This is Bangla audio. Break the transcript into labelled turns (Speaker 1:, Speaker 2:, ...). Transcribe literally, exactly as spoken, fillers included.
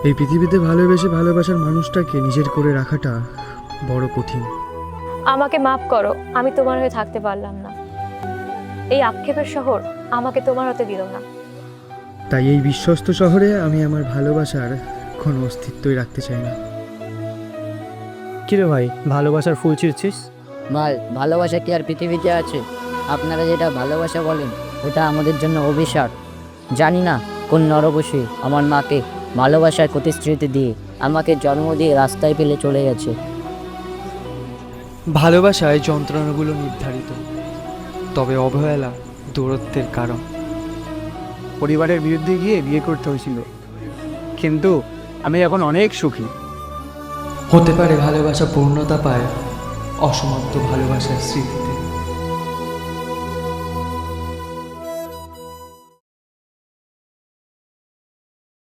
Speaker 1: এই পৃথিবীতে ভালোবেসে ভালোবাসার মানুষটাকে নিজের করে রাখাটা বড় কঠিন।
Speaker 2: আমাকে মাফ করো, আমি তোমার হয়ে থাকতে পারলাম না। এই আক্ষেপের শহর আমাকে তোমার হতে দিল না।
Speaker 1: তাই এই বিশ্বস্ত শহরে আমি আমার ভালোবাসার কোনো অস্তিত্বই রাখতে চাই না।
Speaker 3: কিরে ভাই, ভালোবাসার ফুল ছিঁড়ছিস?
Speaker 4: মাল ভালোবাসা কি আর পৃথিবীতে আছে? আপনারা যেটা ভালোবাসা বলেন ওটা আমাদের জন্য অভিশাপ। জানি না কোন নরবশী আমার মাকে ভালোবাসার প্রতিশ্রুতি দিয়ে আমাকে জন্ম দিয়ে রাস্তায় ফেলে চলে গেছে।
Speaker 5: ভালোবাসায় যন্ত্রণাগুলো নির্ধারিত, তবে অবহেলা দূরত্বের কারণ।
Speaker 3: পরিবারের বিরুদ্ধে গিয়ে বিয়ে করতে হয়েছিল, কিন্তু আমি এখন অনেক সুখী।
Speaker 5: হতে পারে ভালোবাসা পূর্ণতা পায় অসমাপ্ত ভালোবাসার স্মৃতিতে।